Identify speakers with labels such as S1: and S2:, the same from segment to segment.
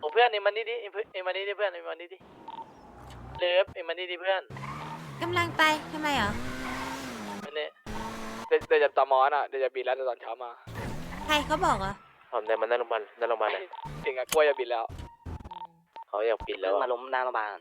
S1: โอ้เพื่อนเอ็มมันนี่ดิเอ็มมันนี่ดิเพื่อนเอ็มมันนี่ดิเลิฟเอ็มมันนี่ดิเพื่อน
S2: กำลังไปทำไมเหรอ
S1: มันเนี่ยเดี๋ยวจะตอมอน่ะเดี๋ยวจะบินแล้วตอนเช้ามา
S2: ใครเขาบอกเหรอ
S1: ผมได้มาหน้าโรงพยาบาลเลยจริงอะกล้วยจะบินแล้วเขาอยากบินแล้วมาล้มหน้าโรงพยาบาล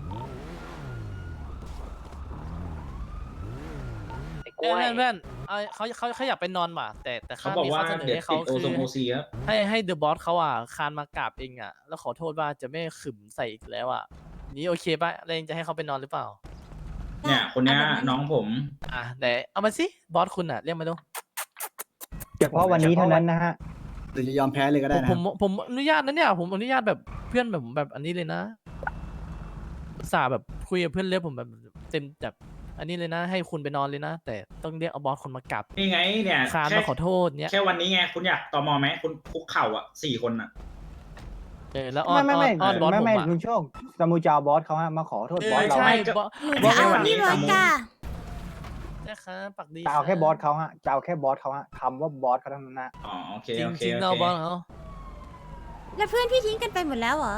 S3: เพื่อนเขาอยากไปนอนว่ะแต่
S4: เขา
S3: ข้า
S4: บอก
S3: มี
S4: ว่า
S3: ข้อเสนอ
S4: เดี๋ยว
S3: ให้
S4: ติ
S3: เขา
S4: ดโอ
S3: คือ
S4: ซงโอซีครับ
S3: ให้เดอะบอสเขาอ่ะคานมากราบเองอ่ะแล้วขอโทษว่าจะไม่ขึมใส่อีกแล้วอ่ะนี่โอเคป่ะแล้วเองจะให้เขาไปนอนหรือเปล่า
S4: เนี่ยคนเนี้ย
S2: เอาแบบนั้น
S4: น้องผม
S3: อ่ะแต่เอามาสิบอสคุณอ่ะเรียกมาดู
S5: เฉพาะวันนี้เท่านั้นนะฮะ
S6: หรือจะยอมแพ้เลยก็ได้นะ
S3: ผมอนุญาตนะเนี่ยผมอนุญาตแบบเพื่อนแบบอันนี้เลยนะอุตส่าห์แบบคุยกับเพื่อนเรียกผมแบบเต็มแบบอันนี้เลยนะ ให้คุณไปนอนเลยนะ แต่ต้องเรียกเอาบอสคนมากราบ
S4: นี่ไงเนี่ย
S3: คานมาขอโทษเนี้ย
S4: แค่วันนี้ไงคุณอยากตอมอไหมคุณคุกเข่าอ่ะ4 คนอ่ะ
S3: แล้วอ้อน
S5: ไม่
S3: อ้อนบอสผม
S5: ไม่
S3: อ่ะ
S5: คุณโชคสมูจาวบอสเขาฮะมาขอโทษบอสเรา
S3: ใช่
S4: ก็
S3: บอส
S2: หนูจะเอานี่เลยจ้า
S3: นะครับปักดี
S5: จะเอาแค่บอสเขาฮะจะเอาแค่บอสเขาฮะคำว่าบอสเขาเท่านั้นนะ
S4: อ๋อโอเค
S3: จริง
S4: โอเค
S3: จริง
S4: โอ
S3: เรา
S4: เค
S3: บอสเขา
S2: แล้วเพื่อนพี่ทิ้งกันไปหมดแล้วเหรอ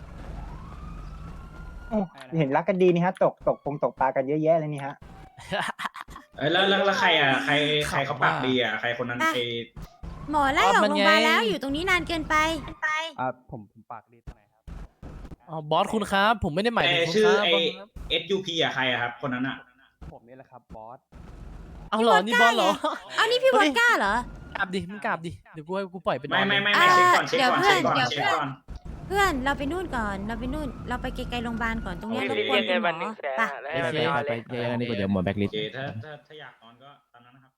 S5: โอ้เห็นรักกันดีนี่ฮะตกปลากันเยอะแยะเลยนี่ฮะ
S4: เอ้ยแล้วใครอ่ะใครเขาปากดีอ่ะใครคนนั้น
S2: อ่ะ
S4: ไอ
S2: หมอไล่ออกโรงพยาบาลแล้วอยู่ตรงนี้นานเกินไป
S5: ผมปากดีตรงไหนครับ
S3: อ๋อบอสคุณครับ ผมไม่ได้หมายถึงคุณ
S4: ชื่อ
S3: ครับ
S4: ไอบ
S3: อสครับ
S4: SUP อ่ะใครอ่ะครับคนนั้นอ่ะ
S5: ผมนี่แหละครับบอส
S3: เอาเหรอนี่บอสเหรอ
S2: เอานี่พี่วอดก้าเหรอ
S3: กราบดิมึงกราบดิเดี๋ยวกูให้กูปล่อยไปนอน
S4: ไม่
S2: อ่า
S4: เช็คก่อน
S2: เดี๋ยว
S4: เช็คก่อน
S2: เพื่อนเราไปนู่นก่อนเราไปนู่นเราไปไกลๆโรงพยาบาลก่อนตรงเนี้ยรบกวนคุณหมอไป
S1: แล้วไปนอนเลย
S3: เดี๋ยวนี้ก็เดี๋ยวหมดแบ็คลิ
S4: โอ
S3: ส
S4: เคถ้าอยากนอนก็ตามนั้นนะครับ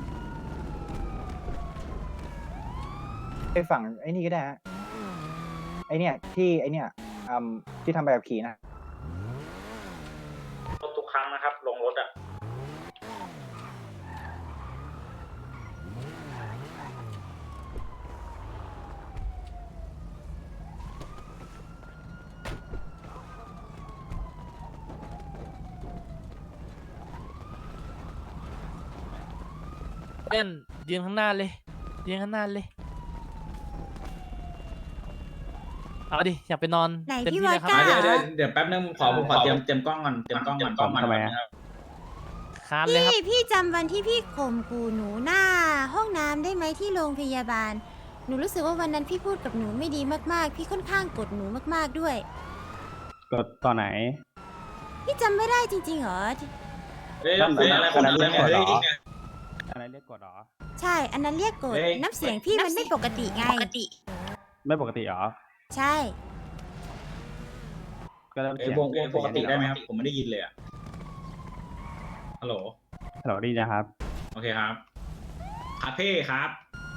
S5: ไปฝั่งไอ้นี่ก็ได้ฮะไอ้เนี่ยที่ไอ้เนี่ยที่ทำใบขับขี่นะ
S4: ทุกครั้งนะครับลงรถอ่ะ
S3: เพื่อนยืนข้างหน้าเลยยืนข้างหน้าเลยเอาดิอยากไปนอน
S2: ไหน
S3: เต็ม
S2: พี่
S3: ที่
S2: วอ
S3: เล
S2: ด
S3: ยครับ
S2: ก้า
S4: เดี๋ยวแป๊บนึงผมขอเตรียมกล้องก่อนเตรียมกล้องก่อนทำไมครับ
S3: คานเลยครับ
S2: พี่จำวันที่พี่ข่มขู่หนูหน้าห้องน้ำได้ไหมที่โรงพยาบาล หนูรู้สึกว่าวันนั้นพี่พูดกับหนูไม่ดีมากๆ พี่ค่อนข้างกดหนูมากๆด้วย
S5: กดตอนไหน
S2: พี่จำไม่ได้จริงๆเหรอ
S4: เฮ้ยอะไรคนนั้นเนี่ยเฮ้ย
S5: อะไรเรียกกดหรอ
S2: ใช่ อันนั้นเรียกกด
S4: เฮ้ย
S2: น้ำเสียงพี่มันไม่ปกติไง
S5: ไม่ปกติหรอ
S2: ใช่
S5: ก็เริ่ม
S4: เอ้
S5: เสี
S4: ย
S5: ยง
S4: วงปกติได้ไหมครับ ผมไม่ได้ยินเลยอ่ะฮัลโหล
S5: ฮัลโหลดีนะครับ
S4: โอเคครับคาเฟ่ครับ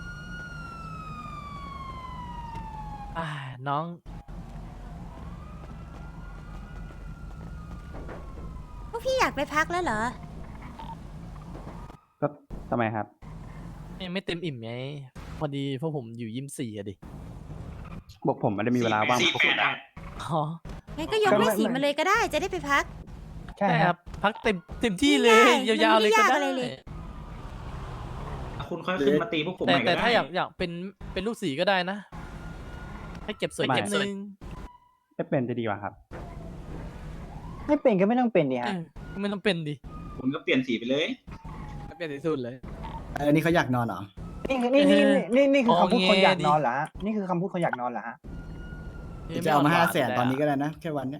S3: น้อง
S2: พวกพี่อยากไปพักแล้วเหรอ
S5: ก็ทำไมครับ
S3: ยังไม่เต็มอิ่มไงพอดีพวกผมอยู่ยิม4อะดิ
S5: บอกผมไม่ได้มีเวลาว่างพวกคุณอะ
S3: อ๋อ
S2: งั้นก็ยกไม่สีมาเลยก็ได้ จะได้ไปพัก
S5: ใช่
S3: ใช่
S5: ค
S3: ค
S5: รั
S3: รับ บพักเต็มที่เลย
S2: ง่ายๆ
S3: ยาวๆเลยก็
S2: มันไม่ได้ยาก
S3: ได้
S2: อะไรเลย
S4: คุณค่อยขึ้นมาตีพวกผมให
S3: แต่
S4: ม่ก็
S3: แต่
S4: ได้
S3: ถ้าอยากเป็นลูกสีก็ได้นะ ให้เก็บสวยเก็บนึง
S5: ไม่เป็นจะดีกว่าครับ ไม่เป็นก็ไม่ต้องเป็นดิฮะ
S3: ไม่ต้องเป็นดิ
S4: คุณก็เปลี่ยนสีไปเลย
S3: เปลี่ยนสุดเลย
S6: อันนี้เขาอยากนอนเหรอ
S5: นี่คือคำพูดคนอยาก
S3: ดิ
S5: นอนเหรอฮะนี่คือคำพูดคนอยากนอนเหรอฮะ
S6: จะเอามา500,000ตอนนี้ก็ได้นะ แค่วันเนี้ย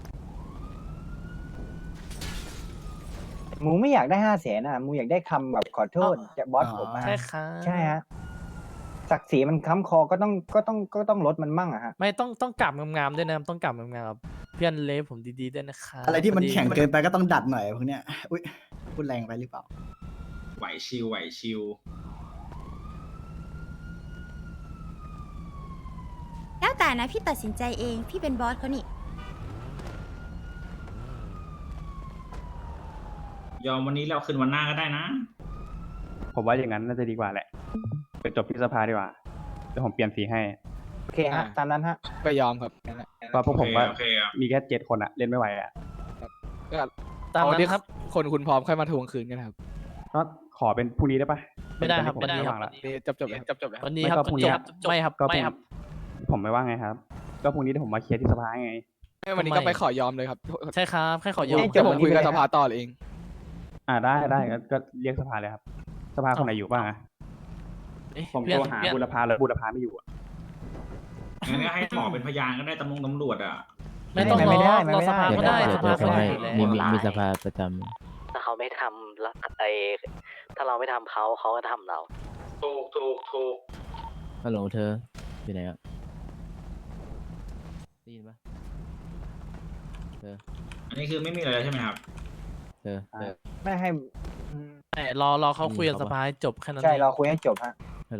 S5: หมูไม่อยากได้500,000นะหมูอยากได้คำแบบขอโทษจากบอสผมอะ
S3: ใช่ครับ
S5: ใช่ฮะศักดิ์ศรีมันค้ำคอก็ต้องลดมันมั่งอะฮะ
S3: ไม่ต้องกลับงามๆด้วยนะต้องกลับงามๆกับเพื่อนเลฟผมดีๆด้วยนะครับ
S6: อะไรที่มัน
S3: พดี
S6: แข็งเกินไปก็ต้องดัดหน่อยพวกเนี้ย อุ้ยพูดแรงไปหรือเปล่า
S4: ไหวชิว
S2: แล้วแต่นะพี่ตัดสินใจเอง พี่เป็นบอสเขานี่
S4: ยอมวันนี้เราคืนวันหน้าก็ได้นะ
S5: ผมว่าอย่างนั้นน่าจะดีกว่าแหละไปจบที่สภาดีกว่าเดี๋ยวผมเปลี่ยนสีให้โอเคฮะตามนั้นฮะ
S7: ก็ยอมครับ
S5: เพราะพวกผมว่า
S4: โอเคครับ
S5: มีแค่7 คนอะเล่นไม่ไหวอะ
S7: ก็
S3: ตาม
S7: เอา
S3: นั้
S7: ที่
S3: นครับ
S7: คนคุณพร้อมค่อยมาทวงคืนกันครับ
S5: ก็ขอเป็นพรุ่งนี้ได้ปะ
S3: ไม่ได้ครับ
S5: ผม
S3: ไม่ได้
S5: ไม่
S3: ครั
S5: ว่างละ
S3: บ
S7: นี่จบเลยครับ
S3: วันนี้
S5: ไม่
S3: ครับ
S5: ก็พรุ่งนี้
S3: จบไม่ครับ
S5: ก็
S3: ไม่ครับ
S5: ผมไม่ว่างไงครับ
S8: ก็พรุ่งนี้ที่ผมมาเคลียร์ที่สภาไง
S7: วันนี้ก็ไปขอยอมเลยครับ
S3: ใช่ครับแค่ขอยอม
S7: เดี๋ยวผมคุยกับสภาต่อเอง
S8: ได้ก็เรียกสภาเลยครับ สภาคนไหนอยู่บ้างอะ
S3: เอ๊ะ
S8: ผม
S3: เพื่อน
S8: โทรหา
S3: เพื่อน
S8: บุรพาแล้วบุรพาไม่อยู่อะ
S4: งั้นก็ให้หมอเป็นพยานก็ได้ตำรวจอ่ะ
S3: ไม่ต้อง
S5: ไม่ได้
S3: รอสภาก็ได้
S5: ไม่ได้
S3: สภาเขาอยู่แล้ว
S9: มีสภาประจ
S1: ถ้าเขาไม่ทำแล้วถ้าเราไม่ทำเขาเขาก็ทำเรา
S4: ถูก
S9: ำฮัลโหลเธออยู่ไหนอะได้ยินปะเธอ
S4: อันนี้คือไม่มีอะไรแล้วใช่ไหมครับ
S9: เธอ
S5: ไม่ให้อืม
S3: แต่รอเขาคุยกับสภาให้จบแค่นั้น
S5: ใช่
S3: เอง
S5: เราคุยให้จบฮะ
S9: ฮัลโหล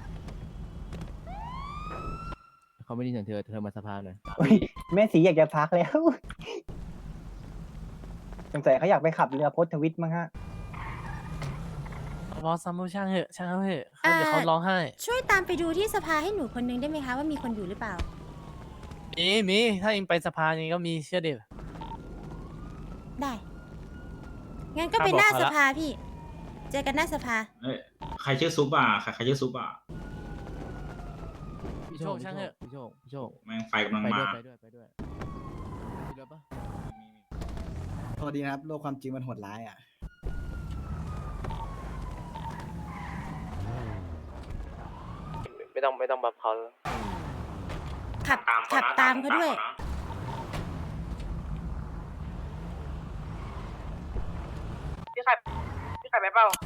S9: เขาไม่ได้ยินเสียงเธอมาสภาหน่อย
S5: อุ๊ยแม่สีอยากจะพักแล้ว สงสัยเขาอยากไปขับเรือพจน์ทวิตมั้งฮะ
S3: บอสซัมเมอร์ช่างเหอะเขาเดี๋ยวเขาร้องไห้
S2: ช่วยตามไปดูที่สภาให้หนูคนนึงได้ไหมคะว่ามีคนอยู่หรือเปล่า
S3: มีถ้าเองไปสภาอย่างนี้ก็มีเชื่อเด็ด
S2: ได้ งั้นก็ไป
S3: ข้าบอก
S2: หน้า
S3: เขา
S2: ส
S3: ละ
S2: ภาพี่ เจอกันหน้าสภา
S4: เอ้ยใครชื่อซุปอ่ะใครชื่อซุปอ่ะ
S3: พี่โชคช่างเหอะ
S9: พี่โชค
S4: แม่งไฟกำลัง
S9: ไป
S4: มา
S9: ด้วยมีเรือปะ
S6: โทษดีนะครับ โลกความจริงมันโหดร้ายอ่ะ
S1: ไม่ต้องบัฟเขา
S2: ขับตามเขาด้วย
S1: พี่ไข่ไปเปล่า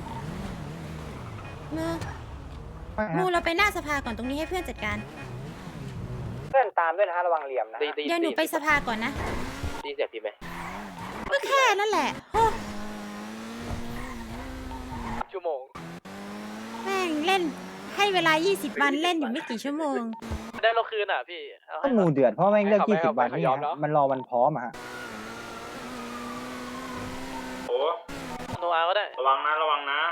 S2: มูเราไปหน้าสภาก่อนตรงนี้ให้เพื่อนจัดการ
S5: เพื่อนตามด้วยนะฮะระวังเหลี่ยมนะ
S2: เดี๋ยวหนูไปสภาก่อนนะ
S1: ดีเสียพี่ไหม
S2: ก็แค่นั่นแหละโอ้
S1: ชั่วโมง
S2: แม่งเล่นให้เวลา 20 วันเล่นอยู่ไม่กี่ชั่วโมง
S1: ได้เราคืนอ่ะพี่เอา
S5: ก็
S1: ให้
S5: มูเดือดเพราะแม่งเลือก
S1: ให้เขา
S5: 20 วัน
S1: ให้
S5: นี่
S1: เขายอม
S5: ฮะ
S1: เนอะ
S5: มันรอวันพร้อมอะฮะ
S4: โอ้
S1: โนอาก็ได้
S4: ระวังนะ
S1: ว่า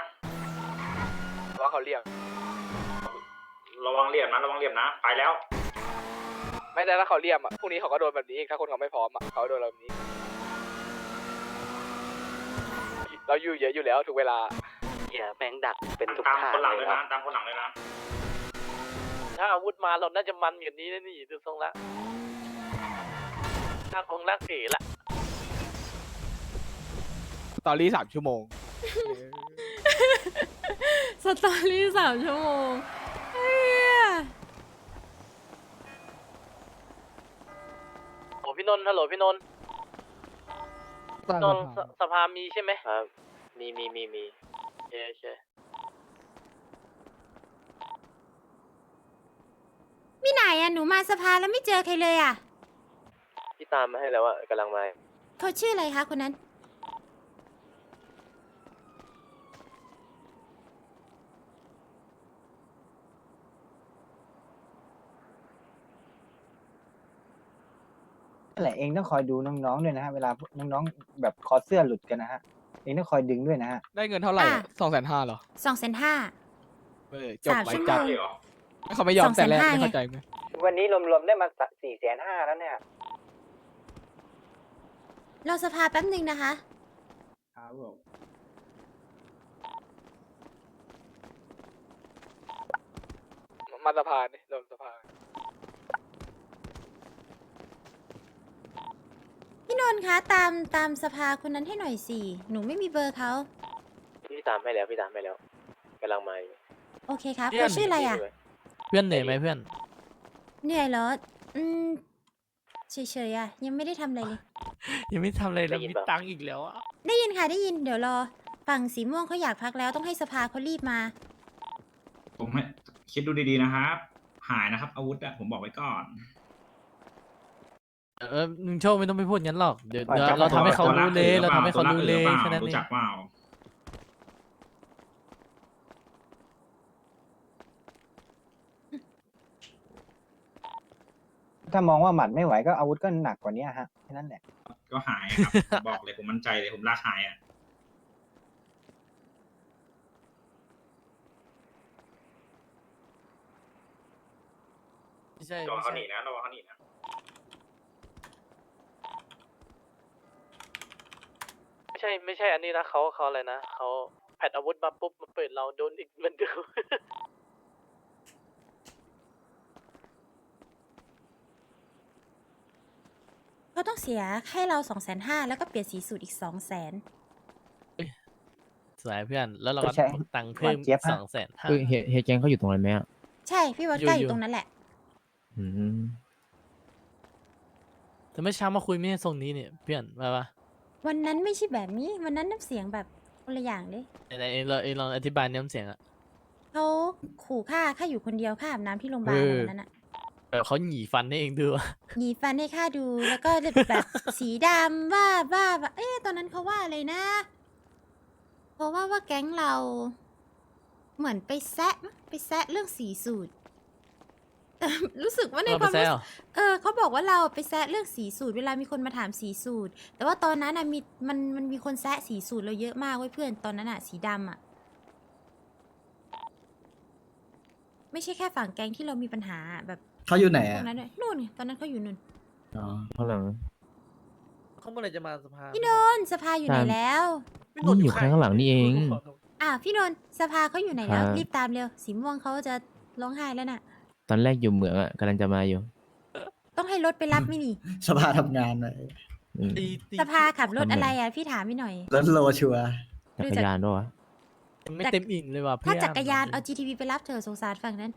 S1: เขาเรียก
S4: ระวังเหลี่ยมนะ ไปแล้ว
S1: ไม่ได้ถ้าเขาเรียกอ่ะพรุ่งนี้เขาก็โดนแบบนี้อีกถ้าคนเขาไม่พร้อมอ่ะเขาโดนแบบนี้ เราอยู่เยอะอยู่แล้วถูกเวลาแม่งดักเป็นทุก
S4: ตาม
S1: ทาง
S4: คนหลัง
S1: เล
S4: เลย ย
S1: ครั
S4: นะ
S1: บ
S4: ตามคนหลังเลยนะ
S1: ถ้าอาวุธมาเราน่าจะมันอย่างนี้นะนี่ดูทรงละถ้าคงรักเก๋ละ
S7: สตอรี่3 ชั่วโมง
S2: สตอรี่3 ชั่วโมงเฮีย
S1: โอ้พี่นนท์ฮัลโหลพี่นนท์สภามีใช่ไหมครับมีโอเค
S2: มีไหนอะหนูมาสภาแล้วไม่เจอใครเลยอะ
S1: พี่ตามมาให้แล้วอ่ะกำลังมา
S2: เขาชื่ออะไรคะคนนั้น
S5: นั่นแหละเองต้องคอยดูน้องๆด้วยนะฮะเวลาน้องๆแบบคอเสื้อหลุดกันนะฮะเองต้องคอยดึงด้วยนะฮะ
S7: ได้เงินเท่าไหร่
S2: อ่ะ
S7: 250,000เหรอ
S2: 250,000
S7: จบ
S2: 3
S7: ไป
S2: ชั่วโม
S7: จัด
S2: ง
S4: เหรอ
S7: เขาไม่ยอมแต่แรก
S2: 250,000
S7: ไม่เข้าใจไหม
S5: วันนี้รวมๆได้มา450,000แล้วเนี่ย
S2: เราสภาแป๊บนึงนะคะ
S8: ครับผม
S1: มาสะพานนี่ลงสะพาน
S2: พี่นนท์คะตามสภาคนนั้นให้หน่อยสิ หนูไม่มีเบอร์เขา
S1: พี่ตามให้แล้วกำลังมาอยู่
S2: โอเคครับเขาชื่ออะไรอะ
S3: เพื่อนเหนื่อยไหมเพื่อน
S2: เหนื่อยเหรอ เฉยๆอะยังไม่ได้ทำอะไรเลย
S3: ยังไม่ทำอะไรแล้วมีตังค์อีกแล้วอ่ะ
S2: ได้ยินค่ะได้ยินเดี๋ยวรอ ฝั่งสีม่วงเขาอยากพักแล้วต้องให้สภาเขารีบมา
S4: ผมให้คิดดูดีๆนะครับ หายนะครับ อาวุธอะผมบอกไว้ก่อน
S3: มึงโชคไม่ต้องไปพูดงั้นหรอกเดี๋ยว
S5: จับ
S3: เราทำให้เขา
S4: ตัวล
S3: รู้เลย
S4: หอ
S3: เรา
S4: ป
S3: ทำให้เขารู้เลย
S4: ตัว
S3: แค่นั้น
S4: รู้
S3: เอง
S4: จักเปล่า
S5: ถ้ามองว่าหมัดไม่ไหวก็อาวุธก็หนักกว่านี้ฮะแค่นั้นแหละ
S4: ก็หายครับ บอกเลยผมมั่นใจเลยผมลากหายอ่ะ
S3: ไม่ใช่
S4: ระวังเขาหนีนะระวังเขาหนีนะ
S1: ไม่ใช่อันนี้นะเขาอะไรนะเขาแผดอาวุธมาปุ๊บมาเปิดเราโดนอีกเหมือนเดิม
S5: ถ
S2: เขาต้องเสียให้เรา250,000แล้วก็เปลี่ยนสีสูตรอีก200,000
S3: สวยเพื่อน แล้วเราก็
S5: ใช่
S3: ตังค์เพิ่ม
S5: หวานเจี๊ยบฮะ
S3: 250,000
S9: เฮ้ยเฮยแกงเขาอยู่ตรงนั้นไหมอ่ะ
S2: ใช่พี่วอดก้า
S3: อยู่
S2: อยู่ตรงนั้นแหละ
S9: อืม
S3: แต่เมื่อเช้ามาคุยไม่ใช่ทรงนี้เนี่ยเพื่อนมาปะ
S2: วันนั้นไม่ใช่แบบนี้วันนั้นน้ำเสียงแบบคนละอย่างเลย
S3: ไหนๆเองลองอธิบายน้ำเสียงอะ
S2: เขาขู่ข้าอยู่คนเดียวข้าอาบน้ำที่โรงพยาบาลวันนั้นอะ
S3: แบบเขาหยีฟันให้เองดูอะ
S2: หยีฟันให้ข้าดูแล้วก็แบบ สีดำว่าเอ๊ะตอนนั้นเขาว่าอะไรนะเพราะว่าแก๊งเราเหมือนไปแซะเรื่องสีสูตร แต่รู้สึกว่าใน
S3: เรา
S2: ค
S3: ไป
S2: วาม
S3: แซ
S2: รู้
S3: ว
S2: สึกเขาบอกว่าเราไปแซะเรื่องสีสูตรเวลามีคนมาถามสีสูตร แต่ว่าตอนนั้นมันมีคนแซะสีสูตรเราเยอะมากเว้ยเพื่อนตอนนั้นสีดำไม่ใช่แค่ฝั่งแก๊งที่เรามีปัญหาแบบ
S6: เขาอยู่ไหน
S2: พว
S6: อ่ะ
S2: กนั้นด้วยนู่นไงตอนนั้นเขาอยู่นู่น
S6: อ๋อ
S9: ข้างหลัง
S3: เขาเมื่อไหรจะมาสภา
S2: พี่นนท์สภาอยู่ไหนแล้ว
S9: นี่อยู่ข้างหลังนี่เอง
S2: พี่นนท์สภาเขาอยู่ไหนแล้ว
S9: ครับ
S2: รีบตามเร็วสีม่วงเขาจะร้องไห้แล้วน่ะ
S9: ตอนแรกอยู่เหมืองอ่ะกำลังจะมาอยู่
S2: ต้องให้รถไปรับไหม่นี่
S6: สภาทำงานหน่อย
S9: อืม
S2: สภาขับรถอะไรอ่ะพี่ถามพี่หน่อย
S6: รถโลชัวร์
S9: จักรยานด้วยวะ
S3: ไม่เต็มอิ่มเลยว่ะเพื่อ
S2: ถ้าน จักรยานเอา GTV ไปรับเธอสงสารฝั่งนั้น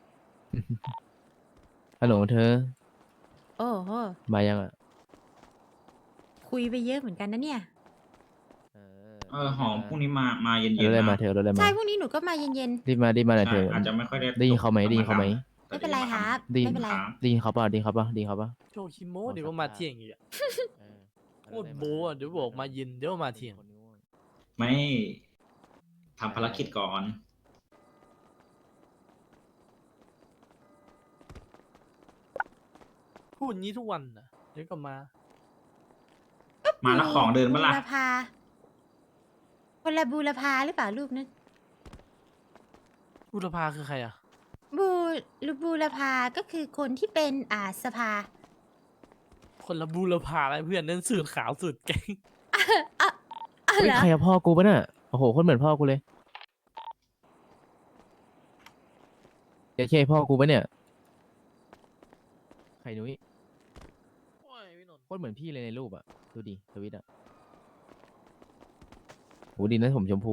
S9: ฮัลโหลเธอ
S2: โอ้โห
S9: มายังอ่ะ
S2: คุยไปเยอะเหมือนกันนะเนี่ย
S4: หอมพรุ่งนี้มาเย็น
S9: รถอะไร
S4: ๆ
S9: มา
S4: นะ
S9: เธอรถอะไรมา
S2: ใช่พรุ่งนี้หนูก็มาเย็น
S9: รีบมาหน่อยเธ
S4: ใช่
S9: อ
S4: อาจจะไม่ค่อยได้
S9: ได้ยินเขาไหมได้ยินเขาไหม
S2: ๆ ไม่เป็นไรครับ
S9: ได้ยิน
S2: ไม่เป็นไร
S9: ได้ยินเขาเปล่าได้ยินเขาเปล่าได้ยินเขาเปล่า
S3: โชว์คิโมเดี๋ยวก็มาเที่ยงอีกอะโคตรโบะอะเดี๋ยวบอกมาเย็นเดี๋ยวมาเที่ยง
S4: ไม่ทำภารกิจก่อน
S3: พูดงี้ทุกวันนะเดี๋ยวก็มา
S4: มาแล้วของเดินเมื่อไหร่
S2: บูรพาคนละบูรพาหรือเปล่ารูปนั้น
S3: บุรพาคือใครอะ
S2: บูรพาก็คือคนที่เป็นสภา
S3: คนละบุรพาอะไรเพื่อนนั่นสูตรขาวสูตรแกง
S2: อ่ะ
S9: เฮ้ย
S2: เหรอ
S9: ใครอะพ่อกูปะน่ะโอ้โหคนเหมือนพ่อกูเลยเดี๋ยวใช่พ่อกูปะเนี่ยใครนุ้ย
S3: โอ้ยพี่นนท์
S9: โคตรเหมือนพี่เลยในรูปอ่ะดูดิทวิตอ่ะโหดีนะผมชมพู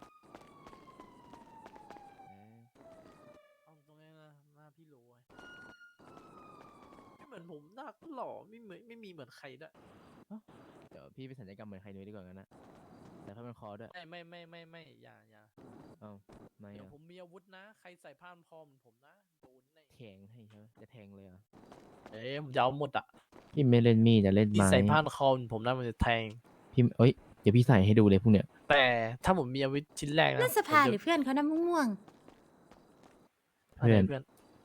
S3: เอาตรงนี้นะหน้าพี่โรยไม่เหมือนผมหน้าก็หล่อไม่มีเหมือนใครด้วย
S9: เดี๋ยวพี่ไปสัญญกรรมเหมือนใครนุ้ยดีกว่างั้นนะแต่ถ้ามันคอด้วย
S3: ไม่อย่า
S9: เอ้าไม่
S3: เดี๋ยว
S9: อะ
S3: ผมมีอาวุธนะ ใครใส่ผ้าพันคอเหมือนผมนะโดนแน่
S9: แทงให้ใช่ไหมจะแทงเลยเหรอ่ะ
S3: เอ้ยผมจะเอาหมดอ่ะ
S9: พี่ไม่เล่นมีดจะเล่น
S3: พี่
S9: ไม้
S3: ใส่ผ้าพันคอเหมือนผมนะมันจะแทง
S9: พี่เอ้ยเดี๋ยวพี่ใส่ให้ดูเลยพวกเนี้ย
S3: แต่ถ้าผมมีอาวุธชิ้นแรกนะ
S2: นั่นสภา
S3: ผม
S2: หรือเพื่อนเขานะม่วง
S3: เพื่อน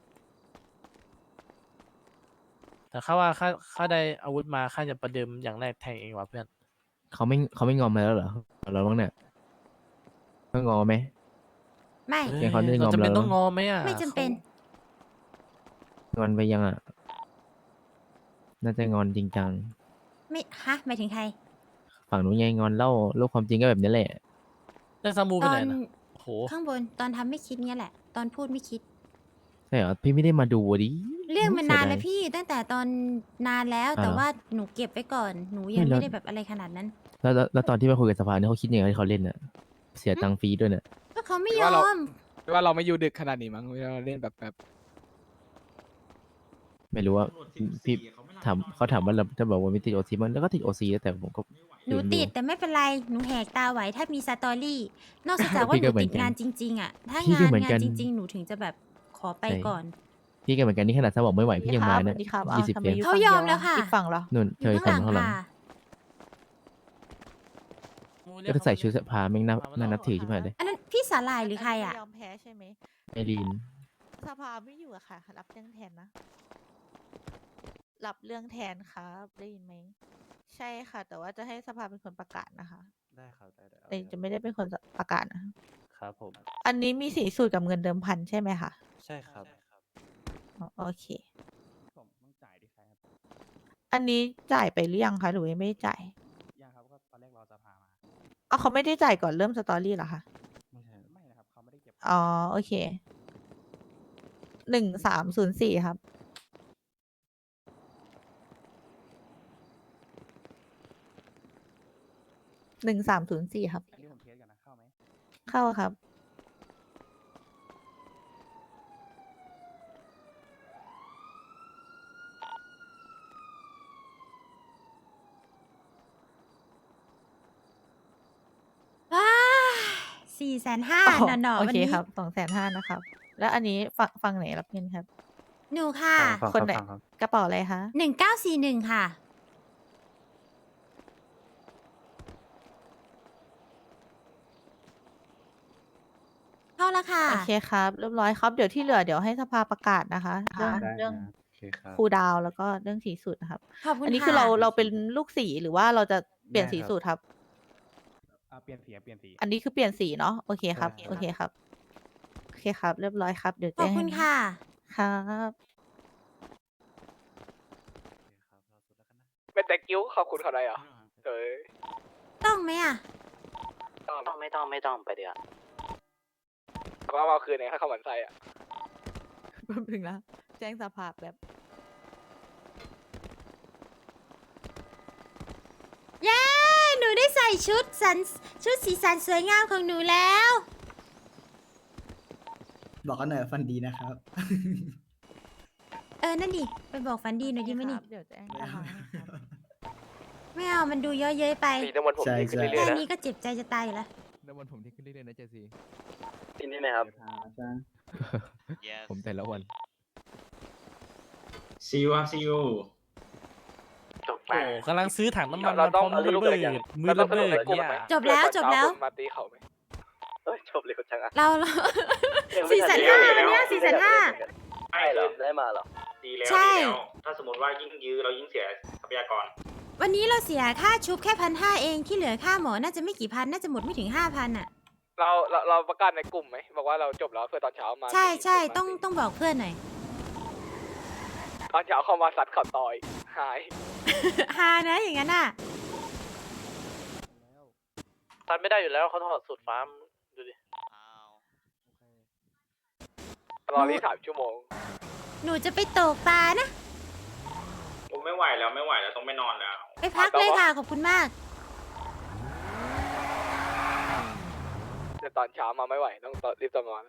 S3: แต่ข้าว่าข้าได้อาวุธมาข้าจะประเดิมอย่างแรกแทงเองว่ะเพื่อน
S9: เขาไม่งอมมาแล้วเหรอเราบ้างเนี่ยต้องงอไหม
S2: ๆ ไม่
S9: เดี๋ยวเขาได้งอม
S3: เราจะเป็น
S9: แล้ว
S3: ต้องงอไหมอ่ะ
S2: ไม่จำเป็น
S9: งอนไปยังอ่ะน่าจะงอนจริงจัง
S2: ไม่หมายถึงใคร
S9: ฝั่งนู้นไงงอนเล่าโลกความจริงก็แบบนี้แหละ
S3: แล้วซามูไป
S2: ตอ
S3: ไหน
S2: น
S3: นะโอ้โห
S2: ข้างบนตอนทำไม่คิดเงี้ยแหละ ตอนพูดไม่คิด
S9: ใช่เหรอพี่ไม่ได้มาดูดิ
S2: เรื่องมัน
S9: เสีย
S2: นาน
S9: ดาย
S2: แล้วพี่ตั้งแต่ตอนนานแล้ว
S9: อ่า
S2: แต่
S9: เหรอ
S2: ว่าหนูเก็บไว้ก่อนหนูยัง
S9: ไม่แล้ว
S2: ไม่ได้แบบอะไรขนาดนั้น
S9: แล้วตอนที่มาคุยกับสภาเนี่ยเขาคิดยังไงที่เขาเล่นอ่ะเสียตังค์ฟรีด้วยเนี่ย
S2: ก็เขาไม่ย
S7: ว่า
S2: อ
S7: เรา
S2: ม
S7: ว่าเราไม่อยู่ดึกขนาดนี้มั้งเราเล่นแบบ
S9: ไม่รู้ว่าพี่เขาถามว่าเราถ้าบอกว่าไม่ติดโอซีมันแล้วก็ติดโอซีแต่ผมก็
S2: หนูติดแต่ไม่เป็นไร หนูแหกตาไหวถ้ามีสตอรี่ นอกจากว่า
S9: พี่
S2: ห
S9: ก็
S2: นู
S9: เหมือ
S2: ติ
S9: น
S2: ด
S9: กัน
S2: งานจริง ๆ อ่ะ ถ้า
S9: พี่ก็
S2: งาน
S9: เหมือนกัน
S2: จริง ๆ หนูถึงจะแบบขอไป
S9: ใช่
S2: ก่อน
S9: พี่ก็เหมือนกันนี่ขนาดถ้าบอกไม่ไหวพี่ยังมาเนี่ย
S10: สวัสดีครับ
S9: 20
S10: ทำไม
S9: เกม
S10: อยู่
S2: เขา
S10: ฝั่ง
S2: ยอม
S10: ดี
S2: แล้วค่ะ
S10: อีกฝั่งเหรอ
S9: นู่น
S2: อ
S9: เธ
S2: ยู่
S9: อ
S2: ข้างหลัง
S9: ข้างหลัง
S2: ค่ะ
S9: ก็จะใส่ชุดสภาแม่งน่านับถือใช่ไหมเลย
S2: อันนั้นพี่สาลายหรือใครอ่ะ
S10: ไม่ยอมแพ้ใช่ไหม
S9: ไอรีน
S10: สภาไม่อยู่อะค่ะ รับเรื่องแทนนะ รับเรื่องแทนครับได้ยินไหม ใช่ค่ะ แต่ว่าจะให้สภาเป็นคนประกาศนะคะ
S1: ได้ครับได้
S10: แต่จะไม่ได้เป็นคนประกาศนะ
S1: ครับผม
S10: อันนี้มีสีสูตรกับเงินเดิมพันใช่ไหมคะ
S1: ใช่ครับ
S10: อ๋อโอเค
S8: ผมต้องจ่ายดิครับ
S10: อันนี้จ่ายไปหรือยังคะหรือว่ายังไม่ได้จ่าย
S8: ยังครับก็ตอนแรกรอสภามา
S10: อ๋อเขาไม่ได้จ่ายก่อนเริ่มสตอรี่เหรอคะ
S8: ไม่นะครับเขาไม่ได้เก็บ
S10: อ๋อโอเค 1304ครับ 1304ครับ
S8: อันนี้ผมเทสกันนะเข้าไหม
S10: เข้าครับ
S2: ว้า450,000
S10: อ๋อ
S2: หน่อ
S10: โอ
S2: ๆวัน
S10: เค
S2: นี้
S10: ครับ250,000นะครับ แล้วอันนี้ฝั่งไหนรับเงินครับ
S2: หนูค่ะ
S10: คนไหนกระเป๋าอะไรคะ
S2: 1941 ค่ะ เข้าแล้วค่ะ
S10: โอเคครับ เรียบร้อยครับ เดี๋ยวที่เหลือเดี๋ยวให้สภาประกาศนะคะ เรื่อง
S8: ได้
S10: เรื่อง
S8: โอเคครับ
S10: คูลดาวน์แล้วก็เรื่องสีสูตรนะครับ
S2: ขอบคุณ
S10: อันนี้
S2: ค่ะ
S10: คือเราเป็นลูกสีหรือว่าเราจะเปลี่ยน
S8: ได้
S10: สี
S8: ครับ
S10: สูตรครับ
S8: เปลี่ยนสีเปลี่ยนสี
S10: อันนี้คือเปลี่ยนสีเนาะโอเคครับ
S8: ใช่
S10: โอเคครับ โอเคครับ เรียบร้อยครับ เดี๋ยว
S2: ข
S10: แจ้
S2: อบ
S10: ง
S2: คุณค่ะ
S10: ครับ
S1: เป็นแต่กิ้วขอบคุณเขาได้เหรอเอ้ย
S2: ต้องไหมอ่ะ
S1: ไม่ต้องไปเดี๋ยวว่าเอาคืนเนี่ยให้เขาหมันไส้อะ
S10: แป๊บนึงนะ แจ้งสภาพแบบ
S2: เย้ หนูได้ใส่ชุดสีสันสวยงามของหนูแล้ว
S6: บอกกันหน่อยฟันดีนะครับ
S2: นั่นดิ ไปบอกฝันดีหน่อยดีไหมนี่
S10: เดี๋ยวแจ้งสภาให้ครับ
S2: ไม่เอา มันดูเยอะเย้ยไป
S1: สีน้ำมันผม
S6: ใช่
S1: ดีขึ้น
S6: ใช่
S1: เรื่อ
S2: แค่
S1: ยๆนะ
S2: นี้ก็เจ็บใจจะตายอยู่แล้ว
S7: น้ำมันผมที่ขึ้นเรื่อยๆนะเจซี
S1: กินได้ไหมครับ
S7: ผมแต่ละวัน
S4: ซีอูครับซีอู
S1: จบ
S3: โอ้กำลังซื้อถังน้ำมัน
S1: เรา
S3: มาพ
S1: ต้
S3: ร้
S1: อ
S3: อง ม
S1: เอา
S3: มือ
S1: ลูก
S3: ระ
S1: อะไร
S3: เบิ
S1: กัน
S3: ดมือระเบิด
S1: เราต้อง
S3: เนี่ย
S2: จบแล้วจบแล้ว
S1: มาตีเขาไหมเอ้ยจบเลยจังอะ
S2: เรา 450,000วันเนี้ย450,000
S1: ไม่เหรอได้มาเหรอ
S4: ดีแล้ว
S2: ใช่
S4: ดีแล้วถ้าสมมติว่ายิ่งยื้อเรายิ่งเสียทรัพยากร
S2: วันนี้เราเสียค่าชุบแค่1,500 เองที่เหลือค่าหมอน่าจะไม่กี่พัน น่าจะหมดไม่ถึง 5,000อ่ะ
S1: เราประกาศในกลุ่มไหมบอกว่าเราจบแล้วเพื่อตอนเช้ามา
S2: ใช่ใช่
S1: มา
S2: ต้องบอกเพื่อนหน่อย
S1: ตอนเช้าเข้ามาซัดเขาต่อยหาย
S2: ฮานะอย่างนั้นอ่ะ
S3: ตัดไม่ได้อยู่แล้วเขาถอดสูตรฟ้ามดูดิ
S1: รอที่3 ชั่วโมง
S2: หนูจะไปตกปลานะ
S4: ผมไม่ไหวแล้วต้องไปนอนแล้ว
S2: ไปพักเลยค่ะ ขอบคุณมาก
S1: แต่ตอนเช้ามาไม่ไหวต้องรีบนอน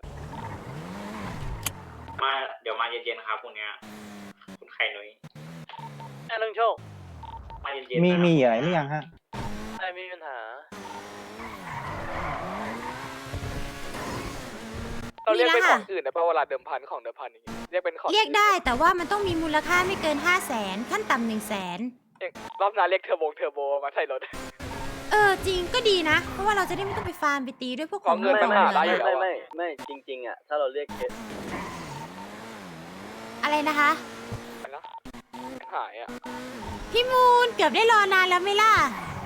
S4: มาเดี๋ยวมาเย็นๆครับพรุ่งเนี้ยคุณไข่นุ้ย
S3: ไอ้เรื่องโชค
S4: มาเย็นๆ
S5: มี
S4: นะ
S5: มีอะไรหรือยังฮะ
S3: ไอ้มีปัญหา
S1: เราเรียกเป็น
S2: มี
S1: ข
S2: ละ
S1: อง
S2: ค่ะ
S1: อื่นนะเพราะเวลาเดิมพันของเดิมพันอย่างเงี้ยเรียกเป็นของ
S2: เรียกได้แต่ว่ามันต้องมีมูลค่าไม่เกิน 500,000 ขั้นต่ำ100,000
S1: รอบหน้าเรียกเทอร์โบมาใส่รถ
S2: จริงก็ดีนะ เพราะว่าเราจะได้ไม่ต้องไปฟาร์มไปตีด้วยพวกของ
S1: เงิน
S2: ข
S1: มั
S2: อน ง
S1: หา
S2: เหลื
S1: ได้
S2: อง
S1: อยู่
S2: อะ
S1: แล้ว
S11: ไม่จริงๆอ่ะถ้าเราเรียกเคส
S2: อะไรนะคะ
S1: หายอ่ะ
S2: พี่มูนเกือบได้รอนานแล้วไหมล่ะ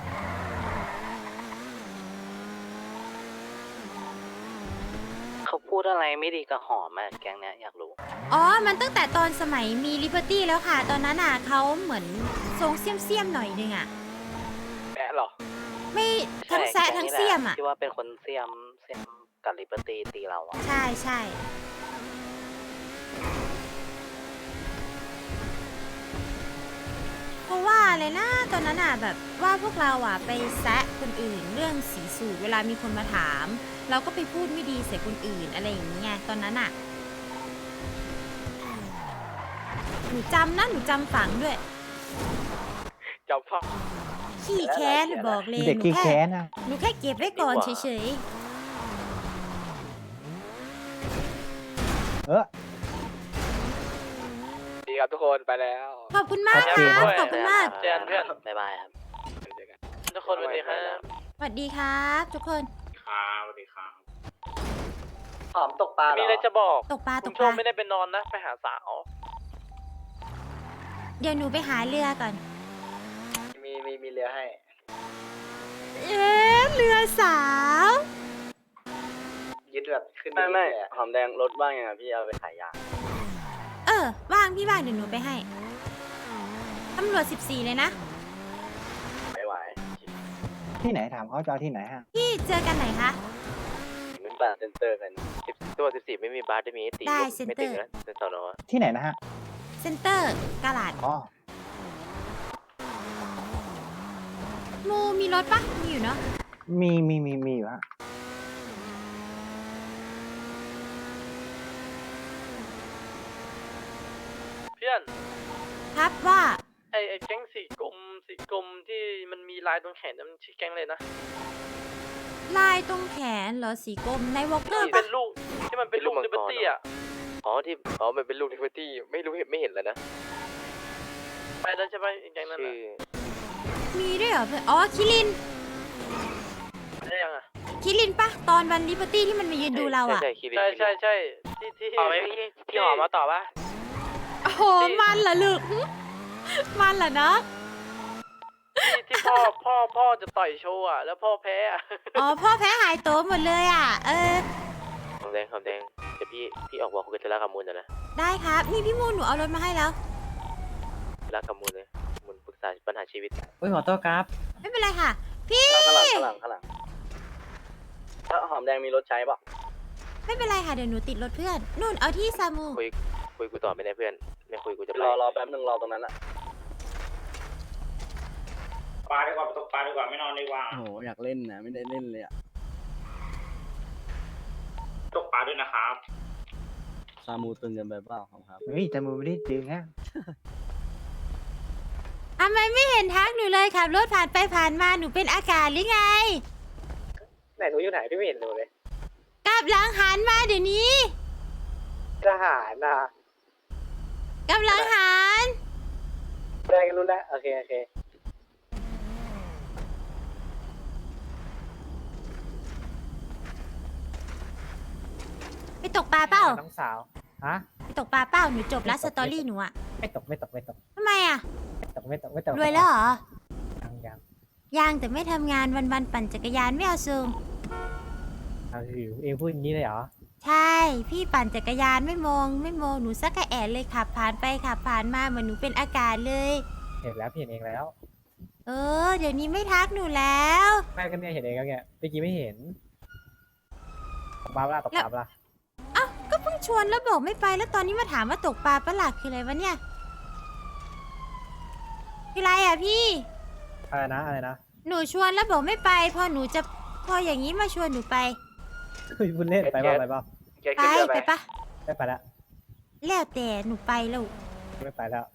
S11: เขาพูดอะไรไม่ดีกับหอมอ่ะแก๊งเนี้ยอยากรู้
S2: อ๋อ มันตั้งแต่ตอนสมัยมีลิเบอร์ตี้แล้วค่ะ ตอนนั้นอ่ะเขาเหมือนทรงเสี้ยมๆหน่อยนึงอ่ะ
S1: แอะเหรอ
S2: ไม่ทั้งแซะทั้งเสี้ยมอ่ะ
S11: ที่ว่าเป็นคนเสียมกับลิเบอร์ตี้ตีเราอ่ะ
S2: ใช่ใช่เพราะว่าอะไรนะตอนนั้นอ่ะแบบว่าพวกเราอ่ะไปแซะคนอื่นเรื่องสีสูตรเวลามีคนมาถาม เราก็ไปพูดไม่ดีใส่คนอื่นอะไรอย่างเงี้ยตอนนั้นอ่ะ หนูจำนะหนูจำฝังด้วย
S1: เจ้าพ่อ
S2: ขี้แค้นบอกเลย
S5: เด็ก
S2: หนู
S5: ขี้
S2: แค่
S5: แค้นนะ
S2: หนูแค่เก็บไว้ก่อนเฉย
S5: เออ
S1: ดีครับทุกคนไปแล้ว
S2: ๆ ขอบคุณมาก
S5: โอ
S2: ค
S5: เค
S2: รับขอบคุณมาก
S3: เจอกันเพื่อน
S11: บ๊ายบายครับ
S1: เจอกัน
S3: ทุกคนสวัสดีครับ
S2: สวัสดีครับทุกคน
S4: ครับสวัสดีครับ
S11: หอมตกปลาเหร
S3: มี
S11: อ
S3: อะไรจะบอก
S2: ตกปลาต
S3: คุณ
S2: ก
S3: โช
S2: ป
S3: ค
S2: ลา
S3: ไม่ได้ไปนอนนะ ไปหาสาว
S2: เดี๋ยวหนูไปหาเรือก่อน
S11: มีเรือให้
S2: เรือสาว
S11: ยึดแบบขึ้นไม่หอมแดงรถบ้างยังไงพี่เอาไปขายยา
S2: ว่างพี่ว่างเดี๋ยวหนูไปให้ ตำรวจ14เลยนะ
S11: ไม่ไหว
S5: ที่ไหนถามเขาจะเอาที่ไหนฮะ
S2: พี่เจอกันไหนคะ
S11: เหมือนป่าเซ็นเตอร์กัน
S1: ตัว14ไม่มีบาร์ได้มีตี
S2: ได้
S1: ไม่
S2: เซ็นเตอ
S1: ติด
S2: ร์
S1: นะเป็นสอนอ
S5: ที่ไหนนะฮะ
S2: เซ็นเตอร์กาลาด
S5: อ๋อ
S2: มูมีรถปะมีอยู่เนาะ
S5: มีอยู่ฮะ
S3: เพื่อน
S2: ครับว่า
S3: ไอแก๊งสีกรมที่มันมีลายตรงแขนนั้นมันชื่อแก๊งเลยนะ
S2: ลายตรงแขนเหรอสีกลมในวอลเกอร์
S3: ที่
S2: ปะ
S3: เป็นลูกที่มันเป็นลูกลิเบอร์ตี้อ่ะ
S1: อ๋อมันเป็นลูกลิเบอร์ตี้ไม่เห็นแล้วนะ
S3: ไปแล้วใช่ไหมไอ้แก๊งนั้น
S1: ชื่
S3: อ่ะ
S1: อ
S2: มีด้วยเหรอเพื่อนอ๋อคิริน
S3: ได้ยังอ่ะ
S2: คิรินปะตอนวันลิเบอร์ตี้ที่มันมายืนดูเราอ่ะ
S1: ใช่คิริน
S3: ใช่ที่
S1: ต่อไหมพี่หอมมาต่อปะ
S2: โอ้โหมันเหรอลูกหึมันเหรอเนาะ
S3: ที่พ่อจะต่อยโชว์อ่ะแล้วพ่อแพ้อ่ะ
S2: อ๋อพ่อแพ้หายโตวหมดเลยอ่ะ
S1: หอมแดงเดี๋ยวพี่ออกบอกคุยกับเทล่ากับมูลนะ
S2: ได้ครับนี่พี่มูนหนูเอารถมาให้แล้ว
S1: เทล่ากับมูลเลยมูลปรึกษาปัญหาชีวิต
S9: เฮ้ยขอโทษครับ
S2: ไม่เป็นไรค่ะ พี่
S11: ข้างหลังถ้าหอมแดงมีรถใช้ปะ
S2: ไม่เป็นไรค่ะเดี๋ยวหนูติดรถเพื่อนนู่นเอาที่ซามู
S1: คุยกูต่อไม่ได้เพื่อนไม่คุยกูจะไป
S11: รอแป๊บนึงรอตรงนั้นอะ
S4: ปลาดีกว่าตกปลาดีกว่าไม่นอนดีกว่า
S6: โอ้โหอยากเล่นนะไม่ได้เล่นเลยอ่ะ
S4: ตกปลาด้วยนะครับ
S6: ซามูตึงกันไปเปล่าครับ
S5: เฮ้ยแต่มือไม่ได้จริงฮะ
S2: ทำไมไม่เห็นทักหนูเลยขับรถผ่านไปผ่านมาหนูเป็นอากาศหรือไง
S1: ไหนหนูอยู่ไหนพี่ไม่เห็นหนูเลย
S2: กลับหลังหันมาเดี๋ยวนี้
S1: ทหารนะ
S2: กลับหลังหัน
S1: ได้กันรู้แล้วโอเค
S2: ไปตกปลาเปล่า
S3: น้องสาวฮะ
S2: ไปตกปลาเปล่าหนูจบแล้วสตอรี่หนูอะ
S3: ไม่ตก
S2: ทำไมอะ
S3: ไม่ตก
S2: รวยแล้วเหรอ
S3: ยัง
S2: ยังแต่ไม่ทำงานวันๆปั่นจักรยานไม่เอาซูง
S3: เองพูดอย่างนี้เลยเหรอ
S2: ใช่ พี่ปั่นจักรยานไม่มองหนูสักกะแอดเลยขับผ่านไปขับผ่านมาเหมือนหนูเป็นอากาศเลย
S3: เห็นเองแล้ว
S2: เดี๋ยวนี้ไม่ทักหนูแล้ว
S3: แม่ก็เนี่ยเห็นเองแล้วเนี่ยเมื่อกี้ไม่เห็นตกปลาตกปลา
S2: เอ้าก็เพิ่งชวนแล้วบอกไม่ไปแล้วตอนนี้มาถามว่าตกปลาปะหลักคืออะไรวะเนี่ยคืออะไรอ่ะพี่
S3: อะไรนะ
S2: หนูชวนแล้วบอกไม่ไปพออย่างนี้มาชวนหนูไป
S3: พูดเล่นไปเปล่า
S1: แก
S2: ไป
S1: ขึ้นเรือ
S2: ไป
S1: ไป
S2: ปะ
S3: ไม่ไปแล้ว
S2: แล้วแต่หนูไปแล้ว
S3: ไม่ไปแล้ว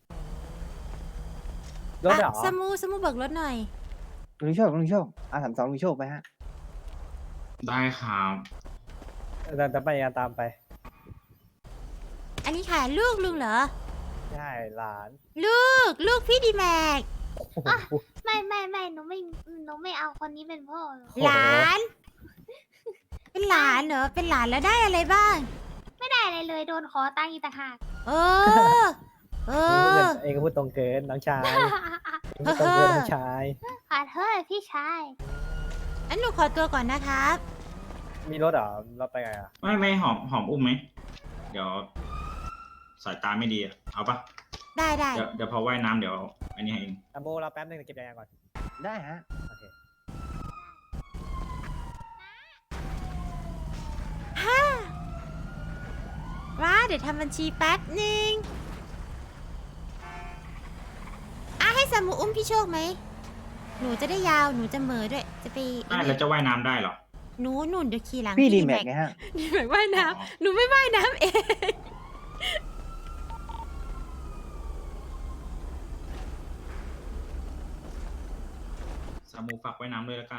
S3: รถเหรอ
S2: สมูเบิกรถหน่อย
S5: ลุงโชคR32ลุงโชคไปฮะ
S4: ได้ครับ
S3: จะไปยังตามไป
S2: อันนี้ค่ะลูกลุงเหรอ
S3: ใช่หลาน
S2: ลูกพี่ดีแม็ก
S10: ไม่หนูไม่เอาคนนี้เป็นพ่อหรอก
S2: หลาน เป็นหลานเหรอเป็นหลานแล้วได้อะไรบ้าง
S10: ไม่ได้อะไรเลยโดนขอตังค์อีกต่างหาก
S2: เออ
S3: เองก็พูดตรงเกินน้องชาย
S2: พูดตรงเกินน้องชาย
S10: ขอโทษพี่ชาย
S2: อันหนูขอตัวก่อนนะครับ
S3: มีรถเหรอเราไปไงอ่ะ
S4: ไม่หอมอุ้มไหมเดี๋ยวสายตาไม่ดีอะเอาปะ
S2: ได้
S4: เดี๋ยวพอว่ายน้ำเดี๋ยวอันนี้ให้เอง
S3: ตัมโบเราแป๊บนึงเก็บยางก่อน
S5: ได้ฮะ
S3: โอเค
S2: ว้าเดี๋ยวทำบัญชีแป๊บนึงให้สามูอุ้มพี่โชคไหม หนูจะได้ยาวหนูจะเหมอด้วย จะไป
S4: ได้แล้วจะว่ายน้ำได้เหรอ
S2: หนูเดี๋ยวขี่หลัง
S5: พี่ดีแม็กไงฮะ
S2: ดีแม็กว่ายน้ำหนูไม่ว่ายน้ำเอง
S4: สามูฝากว่ายน้ำด้วยแล้วกัน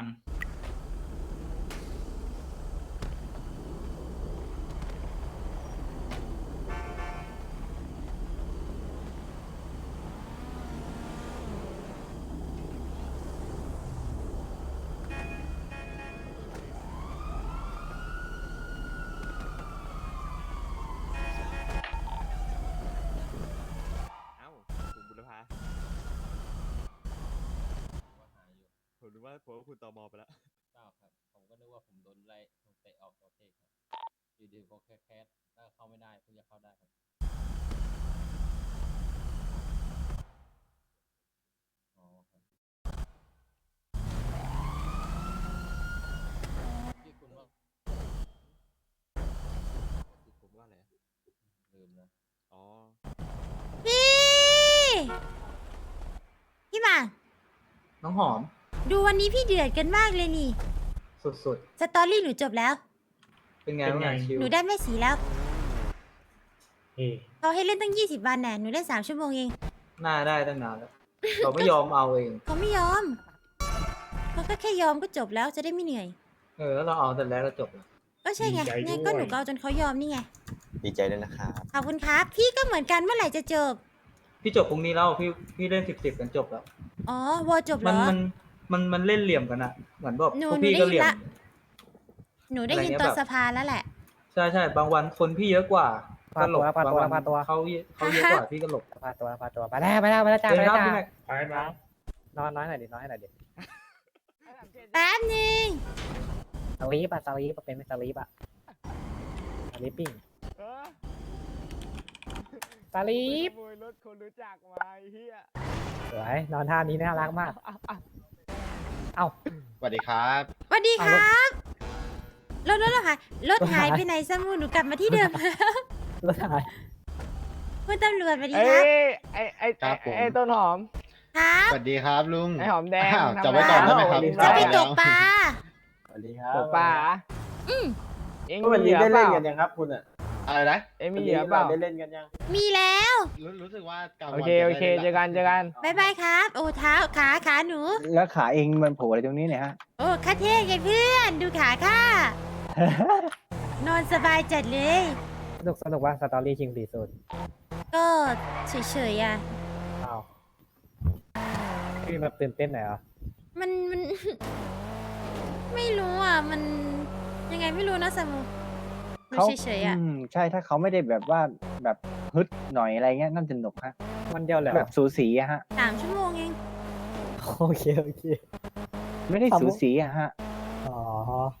S11: เอ้าคุณบุรพาผมนึกว่าคุณตมไปแล้ว
S9: ครับผมก็นึกว่าผมโดนไล่เตะออกประเทศครับอยู่ดีก็แคสแล้วเข้าไม่ได้เพิ่งจะเข้าได้ครับอ๋อครับที่คุณว่า
S11: ผมว่าอะไรอะ
S9: ลืมนะ
S11: อ๋อ
S2: พี่มา
S3: น้องหอม
S2: ดูวันนี้พี่เดือดกันมากเลยนี่
S5: สุด
S2: สตอรี่หนูจบแล้ว
S5: ๆ เป็นไงบ้างชิว
S2: หนูได้แม่สีแล้ว
S5: เฮ้ย
S2: เขาให้เล่นตั้ง20 วันแน่หนูเล่น3 ชั่วโมงเอง
S5: น่าได้ตั้งนานแล้ว เราไม่ยอมเอาเอง
S2: เขาไม่ยอมเขาก็แค่ยอมก็จบแล้วจะได้ไม่เหนื่อย
S5: แล้วเราเอาแต่แรกแล้วจบแล้ว
S2: ก็ใช่ไงเนี่ยก็หนูก็เอาจนเขายอมนี่ไง
S11: ดีใจด้วยนะครับ
S2: ขอบคุณครับ พี่ก็เหมือนกันเมื่อไหร่จะจบ
S5: พี่จบพรุ่งนี้แล้วพี่เล่น10กันจบแล้ว
S2: อ๋อวอจบเหร
S5: มัน
S2: อ
S5: เล่นเหลี่ยมกันอะเหมือนแบบ
S2: หนู
S5: พวกพี่ก็เหลี่ยม
S2: หนูได้ยินตอนสภาแล้วแหละ
S5: ใช่บางวันคนพี่เยอะกว่าก็หลบ
S6: พาตัว
S5: บางวัน
S6: พาตัว
S5: เขาเยอะกว่าพี่ก็หลบ
S6: พาตัวไปแล้วจ้า
S5: เจอ
S6: ไป
S5: ค
S6: แล้ว
S5: รับ
S6: จ้า
S5: พี่แม็ก
S6: นอนน้อยหน่อยดิ
S2: แป๊บนึง
S6: สลีปเป็นสลีปอะสลีปปิ้งสลีป
S7: ขโมยรถคนรู้จักมาไอ้เฮีย
S6: สวยนอนท่านี้น่ารักมาก เอ้า
S11: สวัสดีครับ
S2: สวัสดีครับรถหายหายไปไหนสมูหนูกลับมาที่เดิม
S6: รถหาย
S2: คุณตำรวจสวัสดี
S7: เอ้
S2: ครับ
S7: ไอ้ต้นหอม
S2: ครับ
S11: สวัสดีครับลุง
S7: ไอ้หอมแดง
S11: อ้าว
S7: ทำ
S11: จับไว้ก่อนได้ไหมครับ
S2: จะไปตกปลา
S5: สวัสดีครับ
S7: ตกปลาเหรอ
S2: อืม
S7: เอ็ง
S5: วัน
S7: มี
S5: นี้
S7: เหลือ
S5: ได้
S7: เป
S5: เล่น
S7: ล่า
S5: กันยังครับคุณอะ
S11: อะไรนะ
S7: เอ็งมีเหลือเปล่า
S5: ได้เล่นกันยัง
S2: มีแล้ว
S11: รู้สึกว่ากลาง
S7: โอ
S11: วัน
S7: เค
S11: จะ
S7: โอ
S11: ได้
S7: เค
S11: ล่น
S7: เจอกันเจอกัน
S2: บายบายครับ โอ้เท้าขาหนู
S5: แล้วขาเองมันโผล่อะไรตรงนี้เนี่ยฮะ
S2: โอ้ข้าเท่ไงเพื่อนดูขาข้านอนสบายจัดเลย
S6: สนุกว่าสตอรี่คิงสีสุด
S2: ก็เฉยๆอ่ะ
S6: อ้าวพี่แบบตื่นเต้นหน่อยเหรอ
S2: มัน ไม่รู้อ่ะ มันยังไงไม่รู้นะสมูมันเฉยๆอ่ะ
S5: ใช่ถ้าเขาไม่ได้แบบว่าแบบฮึดหน่อยอะไรเงี้ยน่าจะหนุกฮะ
S6: มันเดียวเลยเหร
S5: แบ
S6: อบ
S5: สูสีอะฮะ
S2: 3 ชั่วโมงเอง
S6: โอเค
S5: ไม่ได้สูสีอะฮะ
S6: อ๋อ